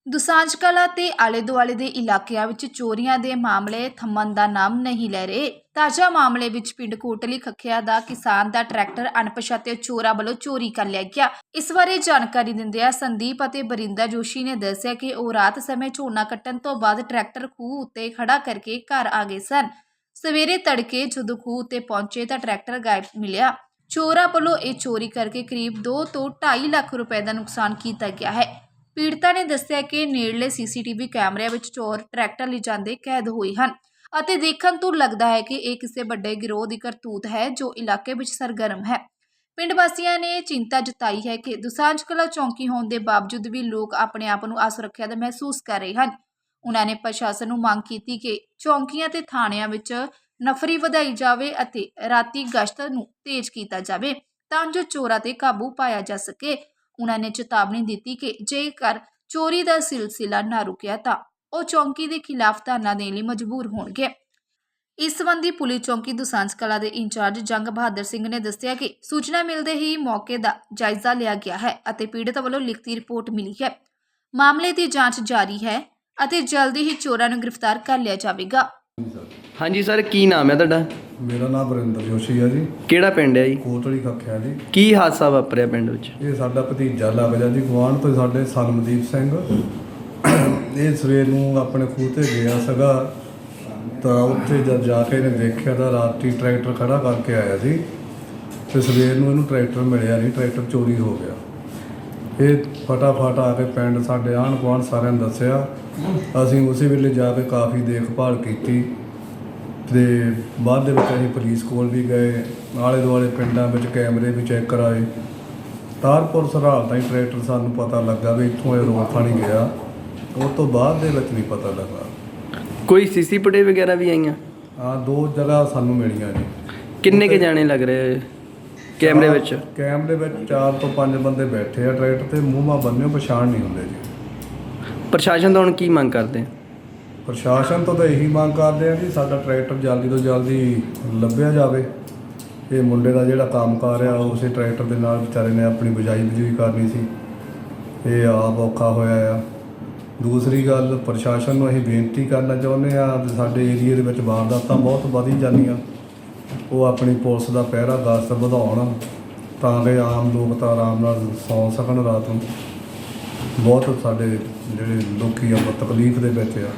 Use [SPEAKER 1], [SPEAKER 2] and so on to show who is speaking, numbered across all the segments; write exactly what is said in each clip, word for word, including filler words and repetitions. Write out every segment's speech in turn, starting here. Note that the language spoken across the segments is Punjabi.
[SPEAKER 1] ਦੁਸਾਂਝ ਕਲਾਂ ਤੇ ਆਲੇ ਦੁਆਲੇ ਦੇ ਇਲਾਕਿਆਂ ਵਿੱਚ ਚੋਰੀਆਂ ਦੇ ਮਾਮਲੇ ਥੰਮਣ ਦਾ ਨਾਮ ਨਹੀਂ ਲੈ ਰਹੇ। ਤਾਜ਼ਾ ਮਾਮਲੇ ਵਿੱਚ ਪਿੰਡ ਕੋਟਲੀ ਖੱਖਿਆ ਦਾ ਕਿਸਾਨ ਦਾ ਟਰੈਕਟਰ ਅਣਪਛਾਤੇ ਚੋਰਾਂ ਵੱਲੋਂ ਚੋਰੀ ਕਰ ਲਿਆ ਗਿਆ। ਇਸ ਬਾਰੇ ਜਾਣਕਾਰੀ ਦਿੰਦਿਆਂ ਸੰਦੀਪ ਅਤੇ ਬਰਿੰਦਾ ਜੋਸ਼ੀ ਨੇ ਦੱਸਿਆ ਕਿ ਉਹ ਰਾਤ ਸਮੇਂ ਝੋਨਾ ਕੱਟਣ ਤੋਂ ਬਾਅਦ ਟਰੈਕਟਰ ਖੂਹ ਉੱਤੇ ਖੜਾ ਕਰਕੇ ਘਰ ਆ ਗਏ ਸਨ। ਸਵੇਰੇ ਤੜਕੇ ਜਦੋਂ ਖੂਹ ਉੱਤੇ ਪਹੁੰਚੇ ਤਾਂ ਟਰੈਕਟਰ ਗਾਇਬ ਮਿਲਿਆ। ਚੋਰਾਂ ਵੱਲੋਂ ਇਹ ਚੋਰੀ ਕਰਕੇ ਕਰੀਬ ਦੋ ਤੋਂ ਢਾਈ ਲੱਖ ਰੁਪਏ ਦਾ ਨੁਕਸਾਨ ਕੀਤਾ ਗਿਆ ਹੈ। ਪੀੜਤਾ ਨੇ ਦੱਸਿਆ ਕਿ ਨੇੜਲੇ ਸੀਸੀਟੀਵੀ ਕੈਮਰਿਆਂ ਵਿੱਚ ਚੋਰ ਟਰੈਕਟਰ ਲਿਜਾਂਦੇ ਕੈਦ ਹੋਏ ਹਨ ਅਤੇ ਦੇਖਣ ਤੋਂ ਲੱਗਦਾ ਹੈ ਕਿ ਇਹ ਕਿਸੇ ਵੱਡੇ ਗਿਰੋਹ ਦੀ ਕਰਤੂਤ ਹੈ ਜੋ ਇਲਾਕੇ ਵਿੱਚ ਸਰਗਰਮ ਹੈ। ਪਿੰਡ ਵਾਸੀਆਂ ਨੇ ਚਿੰਤਾ ਜਤਾਈ ਹੈ ਕਿ ਦੁਸਾਂਝ ਕਲਾਂ ਚੌਂਕੀ ਹੋਣ ਦੇ ਬਾਵਜੂਦ ਵੀ ਲੋਕ ਆਪਣੇ ਆਪ ਨੂੰ ਅਸੁਰੱਖਿਅਤ ਮਹਿਸੂਸ ਕਰ ਰਹੇ ਹਨ। ਉਹਨਾਂ ਨੇ ਪ੍ਰਸ਼ਾਸਨ ਨੂੰ ਮੰਗ ਕੀਤੀ ਕਿ ਚੌਂਕੀਆਂ ਤੇ ਥਾਣਿਆਂ ਵਿੱਚ ਨਫਰੀ ਵਧਾਈ ਜਾਵੇ ਅਤੇ ਰਾਤੀ ਗਸ਼ਤ ਨੂੰ ਤੇਜ਼ ਕੀਤਾ ਜਾਵੇ ਤਾਂ ਜੋ ਚੋਰਾਂ ਤੇ ਕਾਬੂ ਪਾਇਆ ਜਾ ਸਕੇ। ਉਹਨਾਂ ਨੇ ਚੇਤਾਵਨੀ ਦਿੱਤੀ ਕਿ ਜੇਕਰ ਚੋਰੀ ਦਾ ਸਿਲਸਿਲਾ ਨਾ ਰੁਕਿਆ ਤਾਂ ਉਹ ਚੌਂਕੀ ਦੇ ਖਿਲਾਫ ਧਰਨਾ ਦੇਣ ਲਈ ਮਜਬੂਰ ਹੋਣਗੇ। ਇਸ ਸੰਬੰਧੀ ਪੁਲਿਸ ਚੌਂਕੀ ਦੁਸਾਂਝ ਕਲਾਂ ਦੇ ਇੰਚਾਰਜ ਜੰਗ ਬਹਾਦਰ ਸਿੰਘ ਨੇ ਦੱਸਿਆ ਕਿ ਸੂਚਨਾ ਮਿਲਦੇ ਹੀ ਮੌਕੇ ਦਾ ਜਾਇਜ਼ਾ ਲਿਆ ਗਿਆ ਹੈ ਅਤੇ ਪੀੜਤ ਵੱਲੋਂ ਲਿਖਤੀ ਰਿਪੋਰਟ ਮਿਲੀ ਹੈ। ਮਾਮਲੇ ਦੀ ਜਾਂਚ ਜਾਰੀ ਹੈ ਅਤੇ ਜਲਦੀ ਹੀ ਚੋਰਾਂ ਨੂੰ ਗ੍ਰਿਫਤਾਰ ਕਰ ਲਿਆ ਜਾਵੇਗਾ।
[SPEAKER 2] ਹਾਂਜੀ ਸਰ, ਕੀ ਨਾਮ ਹੈ ਤੁਹਾਡਾ?
[SPEAKER 3] ਮੇਰਾ ਨਾਮ ਬਰਿੰਦਰ ਜੋਸ਼ੀ ਹੈ ਜੀ।
[SPEAKER 2] ਕਿਹੜਾ ਪਿੰਡ ਹੈ ਜੀ?
[SPEAKER 3] ਕੋਟਲੀ ਖੱਖਿਆ ਜੀ।
[SPEAKER 2] ਕੀ ਹਾਦਸਾ ਵਾਪਰਿਆ ਪਿੰਡ ਵਿੱਚ?
[SPEAKER 3] ਇਹ ਸਾਡਾ ਭਤੀਜਾ ਲੱਗਦਾ ਜੀ, ਗੁਆਂਢ ਤੋਂ ਸਾਡੇ ਸਨਮਦੀਪ ਸਿੰਘ। ਇਹ ਸਵੇਰ ਨੂੰ ਆਪਣੇ ਖੂਹ ਤੇ ਗਿਆ ਸੀਗਾ ਤਾਂ ਉੱਥੇ ਜਦ ਜਾ ਕੇ ਇਹਨੇ ਦੇਖਿਆ ਤਾਂ ਰਾਤੀ ਟਰੈਕਟਰ ਖੜਾ ਕਰਕੇ ਆਇਆ ਸੀ ਤੇ ਸਵੇਰ ਨੂੰ ਇਹਨੂੰ ਟਰੈਕਟਰ ਮਿਲਿਆ ਨਹੀਂ, ਟਰੈਕਟਰ ਚੋਰੀ ਹੋ ਗਿਆ। ਇਹ ਫਟਾਫਟ ਆ ਕੇ ਪਿੰਡ ਸਾਡੇ ਆਂਢ ਗੁਆਂਢ ਸਾਰਿਆਂ ਨੂੰ ਦੱਸਿਆ। ਅਸੀਂ ਉਸੇ ਵੇਲੇ ਜਾ ਕੇ ਕਾਫੀ ਦੇਖਭਾਲ ਕੀਤੀ ਤੇ ਬਾਅਦ ਦੇ ਵਿੱਚ ਅਸੀਂ ਪੁਲਿਸ ਕੋਲ ਵੀ ਗਏ, ਆਲੇ ਦੁਆਲੇ ਪਿੰਡਾਂ ਵਿੱਚ ਕੈਮਰੇ ਵੀ ਚੈੱਕ ਕਰਾਏ। ਤਾਰਪੁਰ ਸਰਹਾਲ ਤਾਈਂ ਟਰੈਕਟਰ ਸਾਨੂੰ ਪਤਾ ਲੱਗਾ ਵੀ ਇੱਥੋਂ ਇਹ ਰੋਡ ਥਾਣੀ ਗਿਆ, ਉਸ ਤੋਂ ਬਾਅਦ ਦੇ ਵਿੱਚ ਨਹੀਂ ਪਤਾ ਲੱਗਾ।
[SPEAKER 2] ਕੋਈ ਸੀਸੀ ਫੁਟੇਜ ਵਗੈਰਾ ਵੀ ਆਈਆਂ?
[SPEAKER 3] ਹਾਂ, ਦੋ ਜਗ੍ਹਾ ਸਾਨੂੰ ਮਿਲੀਆਂ ਜੀ।
[SPEAKER 2] ਕਿੰਨੇ ਕੇ ਜਾਣੇ ਲੱਗ ਰਹੇ ਕੈਮਰੇ ਵਿੱਚ?
[SPEAKER 3] ਕੈਮਰੇ ਵਿੱਚ ਚਾਰ ਤੋਂ ਪੰਜ ਬੰਦੇ ਬੈਠੇ ਆ ਟਰੈਕਟਰ ਤੇ, ਮੂੰਹ ਮਾ ਬੰਨਿਓ ਪਛਾਣ ਨਹੀਂ ਹੁੰਦੇ ਜੀ।
[SPEAKER 2] ਪ੍ਰਸ਼ਾਸਨ ਤੋਂ ਹੁਣ ਕੀ ਮੰਗ ਕਰਦੇ?
[SPEAKER 3] ਪ੍ਰਸ਼ਾਸਨ ਤੋਂ ਤਾਂ ਇਹੀ ਮੰਗ ਕਰਦੇ ਆ ਕਿ ਸਾਡਾ ਟਰੈਕਟਰ ਜਲਦੀ ਤੋਂ ਜਲਦੀ ਲੱਭਿਆ ਜਾਵੇ। ਇਹ ਮੁੰਡੇ ਦਾ ਜਿਹੜਾ ਕੰਮਕਾਰ ਆ ਉਸੇ ਟਰੈਕਟਰ ਦੇ ਨਾਲ ਵਿਚਾਰੇ ਨੇ ਆਪਣੀ ਬਿਜਾਈ ਬਜੂਈ ਕਰਨੀ ਸੀ, ਇਹ ਆਪ ਔਖਾ ਹੋਇਆ ਆ। ਦੂਸਰੀ ਗੱਲ, ਪ੍ਰਸ਼ਾਸਨ ਨੂੰ ਅਸੀਂ ਬੇਨਤੀ ਕਰਨਾ ਚਾਹੁੰਦੇ ਹਾਂ ਕਿ ਸਾਡੇ ਏਰੀਏ ਦੇ ਵਿੱਚ ਵਾਰਦਾਤਾਂ ਬਹੁਤ ਵਧੀ ਜਾਂਦੀਆਂ, ਉਹ ਆਪਣੀ ਪੁਲਿਸ ਦਾ ਪਹਿਰਾ ਗਸ਼ਤ ਵਧਾਉਣ ਤਾਂ ਕਿ ਆਮ ਲੋਕ ਤਾਂ ਆਰਾਮ ਨਾਲ ਸੌਂ ਸਕਣ ਰਾਤ ਨੂੰ। ਬਹੁਤ ਸਾਡੇ ਜਿਹੜੇ ਲੋਕੀ ਆ ਤਕਲੀਫ ਦੇ ਵਿੱਚ ਆ।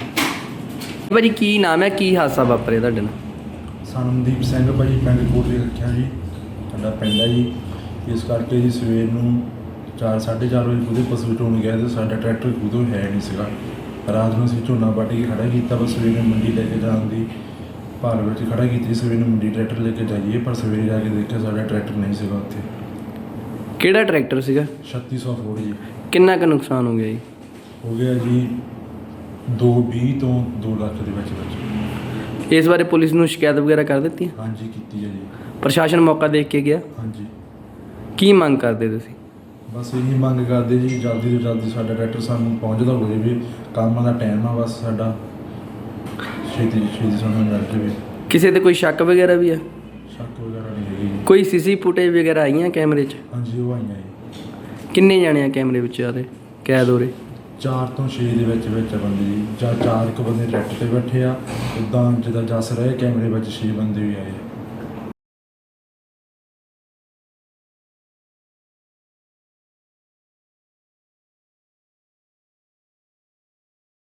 [SPEAKER 2] ਭਾਜੀ ਕੀ ਨਾਮ ਹੈ, ਕੀ ਹਾਦਸਾ ਵਾਪਰਿਆ ਤੁਹਾਡੇ ਨਾਲ?
[SPEAKER 4] ਸਨਮਦੀਪ ਸਿੰਘ ਭਾਜੀ, ਪਿੰਡ ਕੋਟਲੀ ਰੱਖਿਆ ਜੀ, ਸਾਡਾ ਪਿੰਡ ਹੈ ਜੀ। ਇਸ ਕਰਕੇ ਜੀ ਸਵੇਰ ਨੂੰ ਚਾਰ ਸਾਢੇ ਚਾਰ ਵਜੇ ਖੁਦੇ ਪਸ਼ੂ ਢੋਣ ਗਿਆ ਅਤੇ ਸਾਡਾ ਟਰੈਕਟਰ ਖੁਦੋਂ ਹੈ ਨਹੀਂ ਸੀਗਾ। ਰਾਤ ਨੂੰ ਅਸੀਂ ਝੋਨਾ ਵੱਢ ਕੇ ਖੜਾ ਕੀਤਾ, ਬਸ ਸਵੇਰੇ ਮੰਡੀ ਲੈ ਕੇ ਜਾਣ ਦੀ ਭਾਲ ਵਿੱਚ ਖੜਾ ਕੀਤੀ। ਸਵੇਰੇ ਨੂੰ ਮੰਡੀ ਟਰੈਕਟਰ ਲੈ ਕੇ ਜਾਈਏ, ਪਰ ਸਵੇਰੇ ਜਾ ਕੇ ਦੇਖਿਆ ਸਾਡਾ ਟਰੈਕਟਰ ਨਹੀਂ ਸੀਗਾ ਉੱਥੇ।
[SPEAKER 2] ਕਿਹੜਾ ਟਰੈਕਟਰ ਸੀਗਾ?
[SPEAKER 4] ਛੱਤੀ ਸੌ ਫੋੜ ਜੀ।
[SPEAKER 2] ਕਿੰਨਾ ਕੁ ਨੁਕਸਾਨ ਹੋ ਗਿਆ ਜੀ?
[SPEAKER 4] ਹੋ ਗਿਆ ਜੀ ਦੋ ਵੀਹ ਤੋਂ ਦੋ ਲੱਖ ਦੇ ਵਿੱਚ ਵਿੱਚ।
[SPEAKER 2] ਇਸ ਬਾਰੇ ਪੁਲਿਸ ਨੂੰ ਸ਼ਿਕਾਇਤ ਵਗੈਰਾ ਕਰ ਦਿੱਤੀ?
[SPEAKER 4] ਹਾਂਜੀ ਕੀਤੀ ਹੈ ਜੀ।
[SPEAKER 2] ਪ੍ਰਸ਼ਾਸਨ ਮੌਕਾ ਦੇਖ ਕੇ ਗਿਆ?
[SPEAKER 4] ਹਾਂਜੀ। ਕੀ
[SPEAKER 2] ਮੰਗ ਕਰਦੇ ਤੁਸੀਂ?
[SPEAKER 4] ਬਸ ਇਹੀ ਮੰਗ ਕਰਦੇ ਜੀ, ਜਲਦੀ ਤੋਂ ਜਲਦੀ ਸਾਡਾ ਟਰੈਕਟਰ ਸਾਨੂੰ ਪਹੁੰਚਦਾ ਹੋ ਜਾਵੇ। ਕੰਮ ਦਾ ਟਾਈਮ ਆ, ਬਸ ਸਾਡਾ ਛੇਤੀ ਛੇਤੀ ਸਾਨੂੰ ਮਿਲ ਜਾਵੇ।
[SPEAKER 2] ਕਿਸੇ ਤੇ ਕੋਈ ਸ਼ੱਕ ਵਗੈਰਾ ਵੀ ਆ?
[SPEAKER 4] ਸ਼ੱਕ ਵਗੈਰਾ ਨਹੀਂ ਹੈਗੀ ਜੀ।
[SPEAKER 2] ਕੋਈ ਸੀਸੀ ਫੁਟੇਜ ਵਗੈਰਾ ਆਈਆਂ ਕੈਮਰੇ 'ਚ?
[SPEAKER 4] ਹਾਂਜੀ, ਉਹ ਆਈਆਂ ਜੀ।
[SPEAKER 2] ਕਿੰਨੇ ਜਾਣੇ ਆ ਕੈਮਰੇ ਵਿੱਚ ਆ ਰਹੇ ਕੈਦ ਹੋ ਰਹੇ?
[SPEAKER 4] ਚਾਰ ਤੋਂ ਛੇ ਦੇ ਵਿੱਚ ਵਿੱਚ ਬੰਦੇ ਜੀ, ਜਾਂ ਚਾਰ ਕੁ ਬੰਦੇ ਟਰੈਕਟਰ 'ਤੇ ਬੈਠੇ ਆ। ਉੱਦਾਂ ਜਿੱਦਾਂ ਜੱਸ ਰਹੇ ਕੈਮਰੇ ਵਿੱਚ ਛੇ ਬੰਦੇ ਵੀ ਆਏ।